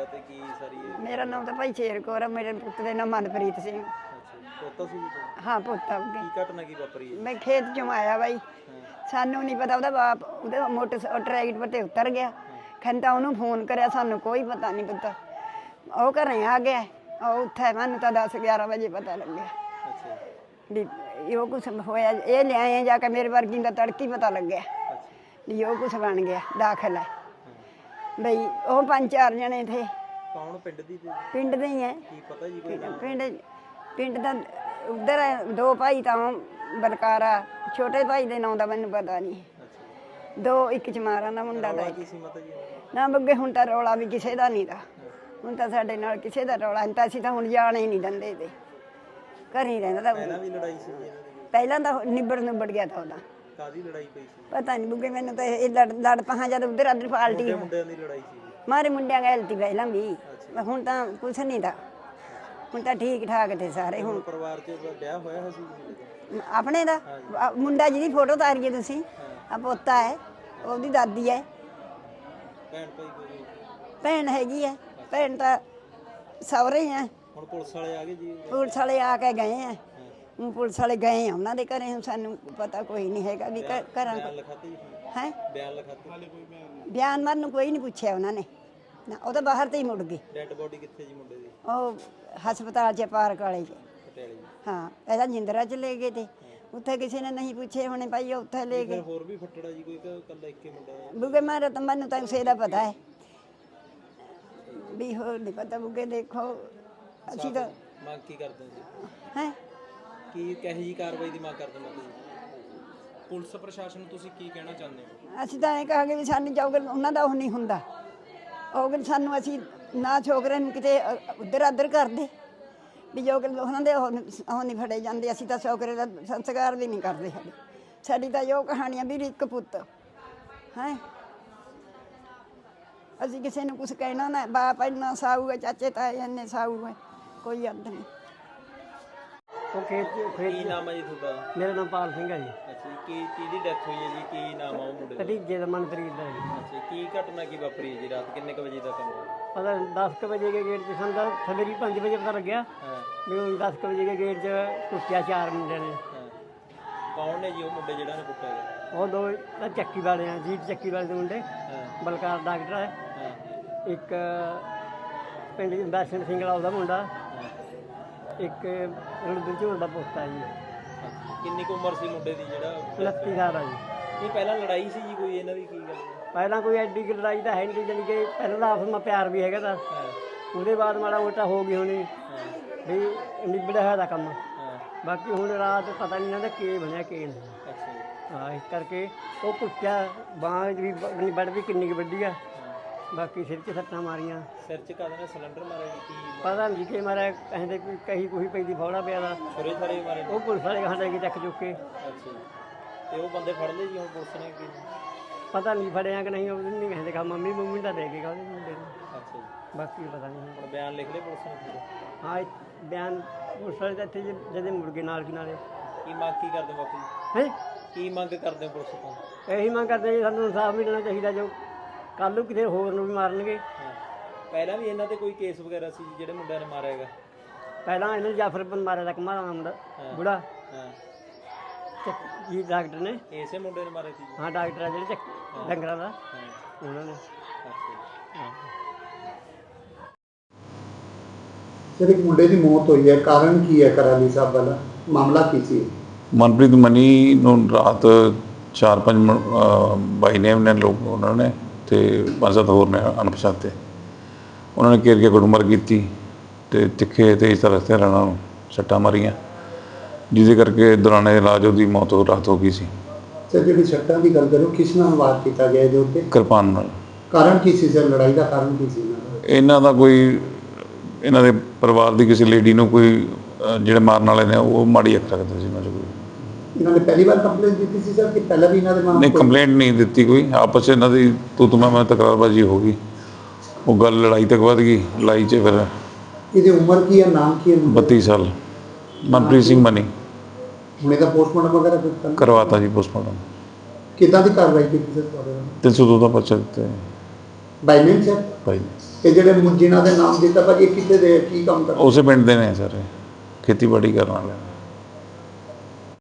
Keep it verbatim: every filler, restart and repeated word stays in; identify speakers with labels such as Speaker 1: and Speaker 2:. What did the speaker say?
Speaker 1: ਹੈਗਾ ਤੇ ਕੀ ਸਾਰੀ ਇਹ
Speaker 2: ਮੇਰਾ ਨਾਮ ਤਾਂ ਭਾਈ ਸ਼ੇਰ ਕੌਰ ਆ, ਮੇਰੇ ਪੁੱਤ ਦੇ ਨਾਮ ਮਨਪ੍ਰੀਤ ਸਿੰਘ।
Speaker 1: ਅੱਛਾ ਪੋਤਾ ਸੀ ਜੀ ਤੁਹਾਡਾ?
Speaker 2: ਹਾਂ ਪੁੱਤ ਆ ਉਹਦੇ।
Speaker 1: ਕੀ ਘਟਨਾ ਕੀ ਵਾਪਰੀ ਹੈ?
Speaker 2: ਮੈਂ ਖੇਤ ਚੋਂ ਆਇਆ ਬਾਈ, ਸਾਨੂੰ ਨਹੀਂ ਪਤਾ ਉਹਦਾ ਬਾਪ ਉਹਦੇ ਮੋਟਰ ਟਰੈਕਟਰ ਤੇ ਉਤਰ ਗਿਆ। ਖੰਤਾ ਉਹਨੂੰ ਫੋਨ ਕਰਿਆ, ਸਾਨੂੰ ਕੋਈ ਪਤਾ ਨਹੀਂ ਪਤਾ। ਉਹ ਘਰੇ ਆ ਗਿਆ, ਉਹ ਉੱਥੇ ਮੈਨੂੰ ਤਾਂ ਦਸ ਗਿਆਰਾਂ ਵਜੇ ਪਤਾ ਲੱਗਿਆ
Speaker 1: ਅੱਛਾ
Speaker 2: ਵੀ ਇਹ ਕੁਛ ਹੋਇਆ। ਇਹ ਲਿਆਏ ਜਾ ਕੇ ਮੇਰੇ ਵਰਗੀ ਦਾ ਤੜਕੀ ਪਤਾ ਲੱਗਿਆ ਵੀ ਉਹ ਕੁਛ ਬਣ ਗਿਆ, ਦਾਖਲ ਹੈ ਬਈ। ਉਹ ਪੰਜ ਚਾਰ ਜਣੇ ਥੇ।
Speaker 1: ਕੌਣ ਪਿੰਡ ਦੀ ਤੇ
Speaker 2: ਪਿੰਡ ਦੇ ਹੀ ਹੈ।
Speaker 1: ਕੀ ਪਤਾ ਜੀ ਕੋਈ ਨਾਮ?
Speaker 2: ਪਿੰਡ ਪਿੰਡ ਦਾ ਉਧਰ ਦੋ ਭਾਈ ਤਾਂ ਬਲਕਾਰਾ, ਛੋਟੇ ਭਾਈ ਦੇ ਨਾਂ ਦਾ ਮੈਨੂੰ ਪਤਾ ਨਹੀਂ।
Speaker 1: ਅੱਛਾ
Speaker 2: ਦੋ ਇੱਕ ਚਮਾਰਾਂ ਦਾ ਮੁੰਡਾ ਦਾ
Speaker 1: ਕੀ ਸੀ ਮਾਤਾ ਜੀ?
Speaker 2: ਨਾ ਬੱਗੇ ਹੁਣ ਤਾਂ ਰੌਲਾ ਵੀ ਕਿਸੇ ਦਾ ਨਹੀਂ ਦਾ। ਹੁਣ ਤਾਂ ਸਾਡੇ ਨਾਲ ਕਿਸੇ ਦਾ ਰੌਲਾ ਨਹੀਂ ਤਾਂ ਅਸੀਂ ਤਾਂ ਹੁਣ ਜਾਣ ਹੀ ਨਹੀਂ ਦਿੰਦੇ ਤੇ ਘਰ ਹੀ ਰਹਿੰਦਾ ਤਾਂ।
Speaker 1: ਪਹਿਲਾਂ ਵੀ ਲੜਾਈ ਸੀ ਜੀ ਇਹਨਾਂ ਦੀ?
Speaker 2: ਪਹਿਲਾਂ ਤਾਂ ਨਿਬੜ ਨਿਬੜ ਗਿਆ ਤਾਂ ਉਹਦਾ।
Speaker 1: ਕਾਦੀ ਲੜਾਈ ਪਈ ਸੀ?
Speaker 2: ਪਤਾ ਨਹੀਂ ਬੁੱਗੇ, ਮੈਨੂੰ ਤਾਂ ਇਹ ਲੜ ਲੜ ਪਹਾਂ ਜਦ ਉਧਰ ਅਦਰ ਪਾਲਟੀ
Speaker 1: ਮੁੰਡਿਆਂ ਦੀ ਲੜਾਈ ਸੀ?
Speaker 2: ਮਾਰੇ ਮੁੰਡਿਆਂ ਗੈਲਤੀ ਪਹਿਲਾਂ ਵੀ, ਹੁਣ ਤਾਂ ਕੁਛ ਨਹੀਂ ਦਾ। ਹੁਣ ਤਾਂ ਠੀਕ ਠਾਕ ਤੇ ਸਾਰੇ। ਹੁਣ
Speaker 1: ਪਰਿਵਾਰ 'ਚ ਵਿਆਹ ਹੋਇਆ ਸੀ
Speaker 2: ਆਪਣੇ ਦਾ ਮੁੰਡਾ ਜਿਹਦੀ ਫੋਟੋ ਤਾਰੀਏ ਤੁਸੀਂ, ਆ ਪੋਤਾ ਹੈ, ਉਹਦੀ ਦਾਦੀ ਹੈ।
Speaker 1: ਭੈਣ ਭਾਈ ਕੋਈ?
Speaker 2: ਭੈਣ ਹੈਗੀ ਹੈ, ਭੈਣ ਤਾਂ ਸਹੁਰੇ ਹੈ।
Speaker 1: ਹੁਣ ਪੁਲਿਸ ਵਾਲੇ ਆ ਗਏ ਜੀ?
Speaker 2: ਪੁਲਿਸ ਵਾਲੇ ਆ ਕੇ ਗਏ ਆ, ਹੁਣ ਪੁਲਿਸ ਵਾਲੇ ਗਏ ਆ ਉਹਨਾਂ ਦੇ ਘਰੇ। ਹੁਣ ਸਾਨੂੰ ਪਤਾ ਕੋਈ ਨਹੀਂ ਹੈਗਾ ਵੀ ਘਰਾਂ
Speaker 1: ਬਿਆਨ ਲਿਖਾਤੇ ਜੀ?
Speaker 2: ਹੈ
Speaker 1: ਬਿਆਨ ਲਿਖਾਤੇ? ਹਾਲੇ ਕੋਈ ਬਿਆਨ?
Speaker 2: ਬਿਆਨ ਮਾਰਨ ਨੂੰ ਕੋਈ ਨਹੀਂ ਪੁੱਛਿਆ ਉਹਨਾਂ ਨੇ ਨਾ, ਉਹ ਤਾਂ ਬਾਹਰ ਤੇ ਹੀ ਮੁੜ ਗਏ।
Speaker 1: ਡੈਡ ਬੋਡੀ ਕਿੱਥੇ ਜੀ ਮੁੰਡੇ ਦੀ?
Speaker 2: ਉਹ ਹਸਪਤਾਲ 'ਚ ਪਾਰਕ ਵਾਲੇ 'ਚ।
Speaker 1: ਪਟਿਆਲੇ ਜੀ?
Speaker 2: ਹਾਂ ਪਹਿਲਾਂ ਜਿੰਦਰਾ 'ਚ ਲੈ ਗਏ ਤੇ ਉੱਥੇ ਕਿਸੇ ਨੇ ਨਹੀਂ ਪੁੱਛੇ ਹੋਣੇ ਭਾਈ, ਉੱਥੇ ਲੈ ਗਏ।
Speaker 1: ਹੋਰ ਵੀ ਫੱਟੜਾ ਜੀ ਕੋਈ ਕਿ ਇਕੱਲਾ ਇੱਕੇ ਮੁੰਡਾ?
Speaker 2: ਬੁੱਗੇ ਮਾਰਾ ਤਾਂ ਮੈਨੂੰ ਤਾਂ ਉਸੇ ਦਾ ਪਤਾ ਹੈ ਵੀ, ਹੋਰ ਨਹੀਂ ਪਤਾ ਬੁੱਗੇ। ਦੇਖੋ ਅਸੀਂ ਤਾਂ
Speaker 1: ਮੰਗ ਕੀ ਕਰਦੇ ਜੀ?
Speaker 2: ਹੈ
Speaker 1: ਕੀ ਕਹੇ ਜੀ ਕਾਰਵਾਈ ਦੀ ਮੰਗ ਕਰਦੇ ਮਾਤਾ ਜੀ? ਪੁਲਿਸ ਪ੍ਰਸ਼ਾਸਨ ਨੂੰ ਤੁਸੀਂ ਕੀ ਕਹਿਣਾ ਚਾਹੁੰਦੇ ਹੋ?
Speaker 2: ਅਸੀਂ ਤਾਂ ਇਹ ਕਹਾਂਗੇ ਵੀ ਸਾਨੂੰ ਜੋਗਰ ਉਹਨਾਂ ਦਾ ਉਹ ਨਹੀਂ ਹੁੰਦਾ। ਉਹ ਸਾਨੂੰ ਅਸੀਂ ਨਾ ਛੋਕਰੇ ਨੂੰ ਕਿਤੇ ਉੱਧਰ ਆਧਰ ਕਰਦੇ ਵੀ ਜੋਗਰ ਉਹਨਾਂ ਦੇ ਉਹ ਉਹ ਨਹੀਂ ਫੜੇ ਜਾਂਦੇ। ਅਸੀਂ ਤਾਂ ਛੋਕਰੇ ਦਾ ਸੰਸਕਾਰ ਵੀ ਨਹੀਂ ਕਰਦੇ। ਸਾਡੇ ਸਾਡੀ ਤਾਂ ਜੋ ਕਹਾਣੀਆਂ ਵੀ ਇੱਕ ਪੁੱਤ ਹੈ। ਅਸੀਂ ਕਿਸੇ ਨੂੰ ਕੁਛ ਕਹਿਣਾ ਨਾ, ਬਾਪ ਇੰਨਾ ਸਾਊ ਹੈ, ਚਾਚੇ ਤਾਏ ਇੰਨੇ ਸਾਊ ਹੈ, ਕੋਈ ਅੱਧ ਨਹੀਂ।
Speaker 3: ਉਹ ਖੇਤ ਖੇਤ
Speaker 1: ਕੀ ਨਾਮ ਹੈ ਜੀ ਤੁਹਾਡਾ?
Speaker 3: ਮੇਰਾ ਨਾਮ ਪਾਲ ਸਿੰਘ ਹੈ ਜੀ।
Speaker 1: ਅੱਛਾ ਜੀ, ਕੀ ਕਿਹਦੀ ਡੈਥ ਹੋਈ ਹੈ ਜੀ? ਕੀ ਨਾਮ ਆ ਉਹ ਮੁੰਡੇ ਦਾ?
Speaker 3: ਭਤੀਜੇ ਦਾ ਮਨਪ੍ਰੀਤ ਦਾ ਜੀ।
Speaker 1: ਅੱਛਾ ਕੀ ਘਟਨਾ ਕੀ ਵਾਪਰੀ ਹੈ ਜੀ? ਰਾਤ ਕਿੰਨੇ ਕੁ ਵਜੇ ਦਾ ਕੰਮ ਹੈ?
Speaker 3: ਪਤਾ ਦਸ ਕੁ ਵਜੇ ਕੇ ਗੇਟ 'ਚ ਸਾਨੂੰ ਤਾਂ ਸਵੇਰੇ ਪੰਜ ਵਜੇ ਪਤਾ ਲੱਗਿਆ
Speaker 1: ਹਾਂ
Speaker 3: ਵੀ ਉਹ ਦਸ ਕੁ ਵਜੇ ਕੇ ਗੇਟ 'ਚ ਕੁੱਟਿਆ ਚਾਰ ਮੁੰਡਿਆਂ ਨੇ।
Speaker 1: ਹਾਂ ਕੌਣ ਨੇ ਜੀ ਉਹ ਮੁੰਡੇ ਜਿਹੜਾ ਨੇ ਕੁੱਟਿਆ ਗਿਆ?
Speaker 3: ਉਹ ਦੋ ਤਾਂ ਚੱਕੀ ਵਾਲੇ ਆ, ਜੀਤ ਚੱਕੀ ਵਾਲੇ ਦੇ ਮੁੰਡੇ।
Speaker 1: ਹਾਂ
Speaker 3: ਬਲਕਾਰ ਡਾਕਟਰ ਹੈ,
Speaker 1: ਹਾਂ
Speaker 3: ਇੱਕ ਪਿੰਡ ਦਰਸ਼ਨ ਸਿੰਘ ਦਾ ਉਹਦਾ ਮੁੰਡਾ,
Speaker 1: ਹਾਂ।
Speaker 3: ਇੱਕ ਰਣਦੂ ਝੋਲ ਦਾ ਪੋਤਾ ਜੀ।
Speaker 1: ਕਿੰਨੀ ਕੁ ਉਮਰ ਸੀ ਮੁੰਡੇ ਦੀ ਜਿਹੜਾ?
Speaker 3: ਉਨੱਤੀ ਸਾਲ ਆ ਜੀ।
Speaker 1: ਨਹੀਂ ਪਹਿਲਾਂ ਲੜਾਈ ਸੀ ਜੀ ਕੋਈ ਇਹਨਾਂ ਦੀ? ਕੀ ਗੱਲ?
Speaker 3: ਪਹਿਲਾਂ ਕੋਈ ਐਡੀ ਕੁ ਲੜਾਈ ਤਾਂ ਹੈ ਨਹੀਂ, ਜਾਣੀ ਕਿ ਪਹਿਲਾਂ ਤਾਂ ਆਪਸ ਵਿੱਚ ਪਿਆਰ ਵੀ ਹੈਗਾ ਤਾਂ
Speaker 1: ਹਾਂ
Speaker 3: ਉਹਦੇ ਬਾਅਦ ਮਾੜਾ ਮੋਟਾ ਹੋ ਗਈ ਹੋਣੀ
Speaker 1: ਹਾਂ
Speaker 3: ਵੀ ਨਿਬੜਿਆ ਹੋਇਆ ਦਾ ਕੰਮ।
Speaker 1: ਹਾਂ
Speaker 3: ਬਾਕੀ ਹੁਣ ਰਾਤ ਪਤਾ ਨਹੀਂ ਇਹਨਾਂ ਦਾ ਕੀ ਬਣਿਆ ਕੀ ਨਹੀਂ।
Speaker 1: ਅੱਛਾ ਜੀ।
Speaker 3: ਹਾਂ ਇਸ ਕਰਕੇ ਉਹ ਕੁੱਟਿਆ, ਬਾਂਹ ਵੀ ਬੜੀ ਵੱਡ ਵੀ ਕਿੰਨੀ ਕੁ ਵੱਡੀ ਆ। ਬਾਕੀ ਸਿਰ 'ਚ ਸੱਟਾਂ ਮਾਰੀਆਂ।
Speaker 1: ਸਿਰ 'ਚ ਕਾਹਦੇ ਨਾਲ ਸਿਲੰਡਰ ਮਾਰਿਆ ਜੀ? ਕੀ
Speaker 3: ਪਤਾ ਨਹੀਂ ਕਿ ਮਾਰਿਆ, ਕਹਿੰਦੇ ਕੋਈ ਕਹੀ ਕੋਈ ਪੈਂਦੀ ਫੌੜਾ ਪਿਆ ਦਾ।
Speaker 1: ਛੁਰੇ ਛਾਰੇ ਮਾਰੇ?
Speaker 3: ਉਹ ਪੁਲਿਸ ਵਾਲੇ ਕਹਾਂ ਲੈ ਕੇ ਚੱਕ ਚੁੱਕ ਕੇ।
Speaker 1: ਅੱਛਾ ਜੀ। ਤੇ ਉਹ ਬੰਦੇ ਫੜ ਲਏ ਜੀ ਹੁਣ ਪੁਲਿਸ ਨੇ? ਕੀ
Speaker 3: ਪਤਾ ਨਹੀਂ ਫੜਿਆ ਕਿ ਨਹੀਂ, ਉਹ ਨਹੀਂ ਕਹਿੰਦੇ ਕਹਾ ਮੰਮੀ ਮੰਮੀ ਦਾ ਦੇ ਕੇ ਗਾ ਉਹਦੇ ਮੁੰਡੇ ਨੂੰ।
Speaker 1: ਅੱਛਾ ਜੀ।
Speaker 3: ਬਾਕੀ ਪਤਾ ਨਹੀਂ।
Speaker 1: ਹੁਣ ਬਿਆਨ ਲਿਖ ਲਏ ਪੁਲਿਸ ਨੇ ਪੂਰੇ?
Speaker 3: ਹਾਂ ਇਹ ਬਿਆਨ ਪੁਲਿਸ ਵਾਲੇ ਤਾਂ ਇੱਥੇ ਜਦੇ ਮੁਰਗੇ ਨਾਲ ਕੀ ਨਾਲੇ।
Speaker 1: ਕੀ ਮੰਗ ਕੀ ਕਰਦੇ ਬਾਪੂ ਜੀ?
Speaker 3: ਹੈ
Speaker 1: ਕੀ ਮੰਗ ਕਰਦੇ ਹੋ ਪੁਲਿਸ ਤੋਂ?
Speaker 3: ਇਹੀ ਮੰਗ ਕਰਦੇ ਜੀ ਸਾਨੂੰ ਇਨਸਾਫ ਮਿਲਣਾ ਚਾਹੀਦਾ। ਜੋ ਕੱਲ੍ਹ ਨੂੰ ਕਿਤੇ ਹੋਰ ਨੂੰ ਵੀ ਮਾਰਨਗੇ।
Speaker 1: ਹਾਂ ਪਹਿਲਾਂ ਵੀ ਇਹਨਾਂ ਤੇ ਕੋਈ ਕੇਸ ਵਗੈਰਾ ਸੀ ਜੀ ਜਿਹੜੇ ਮੁੰਡਿਆਂ ਨੇ ਮਾਰਿਆ ਹੈਗਾ?
Speaker 3: ਪਹਿਲਾਂ ਇਹਨਾਂ ਜਾਫਰ ਬਨ ਮਾਰਿਆ ਦਾ ਕਮਾਰਾ ਦਾ ਮੁੰਡਾ ਬੁੜਾ
Speaker 1: ਹਾਂ
Speaker 3: ਜੀ, ਡਾਕਟਰ ਨੇ।
Speaker 1: ਇਸੇ ਮੁੰਡੇ ਨੇ ਮਾਰੇ ਸੀ ਜੀ?
Speaker 3: ਹਾਂ ਡਾਕਟਰ ਆ ਜਿਹੜੇ ਚੱਕ ਡੰਗਰਾਂ ਦਾ,
Speaker 1: ਹਾਂ
Speaker 3: ਉਹਨਾਂ ਨੇ।
Speaker 1: ਅੱਛਾ ਜੀ।
Speaker 3: ਹਾਂ
Speaker 4: ਸਰ ਇੱਕ ਮੁੰਡੇ ਦੀ ਮੌਤ ਹੋਈ ਹੈ, ਕਾਰਨ ਕੀ ਹੈ? ਕਰਾਲੀ ਸਾਹਿਬ ਵਾਲਾ ਮਾਮਲਾ ਕੀ ਸੀ?
Speaker 5: ਮਨਪ੍ਰੀਤ ਮਨੀ ਨੂੰ ਰਾਤ ਚਾਰ ਪੰਜ ਬਾਈ ਨੇਮ ਨੇ ਲੋਕ ਉਹਨਾਂ ਨੇ ਤੇ ਪੰਜ ਸੱਤ ਹੋਰ ਨੇ ਅਣਪਛਾਤੇ, ਉਹਨਾਂ ਨੇ ਘੇਰ ਕੇ ਗੁੱਟਮਾਰ ਕੀਤੀ ਅਤੇ ਤਿੱਖੇ ਤੇਜ਼ ਤਰ੍ਹਾਂ ਹਥਿਆਰਾਂ ਨਾਲ ਸੱਟਾਂ ਮਾਰੀਆਂ, ਜਿਹਦੇ ਕਰਕੇ ਦੌਰਾਨੇ ਇਲਾਜ ਉਹਦੀ ਮੌਤ ਹੋ ਰਾਤ ਹੋ ਗਈ ਸੀ।
Speaker 4: ਸਰ ਜਿਹੜੀ ਸੱਟਾਂ ਦੀ ਗੱਲ ਕਰੋ, ਕਿਸ ਨਾਲ ਵਾਰ ਕੀਤਾ ਗਿਆ ਇਹਦੇ ਉੱਤੇ?
Speaker 5: ਕਿਰਪਾਨ ਨਾਲ।
Speaker 4: ਕਾਰਨ ਕੀ ਸੀ ਸਰ? ਲੜਾਈ ਦਾ ਕਾਰਨ ਕੀ ਸੀ ਇਹਨਾਂ ਦਾ?
Speaker 5: ਇਹਨਾਂ ਦਾ ਕੋਈ ਇਹਨਾਂ ਦੇ ਪਰਿਵਾਰ ਦੀ ਕਿਸੇ ਲੇਡੀ ਨੂੰ ਕੋਈ ਜਿਹੜੇ ਮਾਰਨ ਵਾਲੇ ਨੇ ਉਹ ਮਾੜੀ ਅੱਖ ਰੱਖਦੇ ਸੀ ਇਹਨਾਂ 'ਚ। ਕੋਈ
Speaker 4: ਇਹਨਾਂ ਨੇ ਪਹਿਲੀ ਵਾਰ ਕੰਪਲੇਂਟ ਦਿੱਤੀ ਸੀ ਸਰ ਕਿ ਪਹਿਲਾਂ ਵੀ ਇਹਨਾਂ ਦੇ ਮਾਮਲੇ?
Speaker 5: ਨਹੀਂ ਕੰਪਲੇਂਟ ਨਹੀਂ ਦਿੱਤੀ ਕੋਈ, ਆਪਸ 'ਚ ਇਹਨਾਂ ਦੀ ਤੂੰ ਤੂੰ ਮੈਂ ਮੈਂ ਤਕਰਾਰਬਾਜ਼ੀ ਹੋ ਗਈ, ਉਹ ਗੱਲ ਲੜਾਈ ਤੱਕ ਵੱਧ ਗਈ। ਲੜਾਈ 'ਚ ਫਿਰ
Speaker 4: ਇਹਦੀ ਉਮਰ ਕੀ ਹੈ, ਨਾਮ ਕੀ ਹੈ?
Speaker 5: ਬੱਤੀ ਸਾਲ ਮਨਪ੍ਰੀਤ ਸਿੰਘ ਮਨੀ।
Speaker 4: ਹੁਣ ਇਹਦਾ ਪੋਸਟਮਾਰਟਮ ਵਗੈਰਾ ਕੀਤਾ?
Speaker 5: ਕਰਵਾਤਾ ਜੀ ਪੋਸਟਮਾਰਟਮ।
Speaker 4: ਕਿੱਦਾਂ ਦੀ ਕਾਰਵਾਈ ਕੀਤੀ ਸਰ ਤੁਹਾਡੇ ਨਾਲ?
Speaker 5: ਤਿੰਨ ਸੌ ਦੋ ਦਾ ਪਰਚਾ ਦਿੱਤਾ ਹੈ
Speaker 4: ਬਾਈ ਨੇਮ ਸਰ?
Speaker 5: ਭਾਈ।
Speaker 4: ਇਹ ਜਿਹੜੇ ਮੁ- ਜਿਨ੍ਹਾਂ ਦੇ ਨਾਮ ਦਿੱਤਾ ਭਾਜੀ ਇਹ ਕਿੱਥੇ ਦੇ ਕੀ ਕੰਮ ਕਰਦੇ?
Speaker 5: ਉਸੇ ਪਿੰਡ ਦੇ ਨੇ ਸਰ, ਖੇਤੀਬਾੜੀ ਕਰਨ ਵਾਲੇ ਨੇ।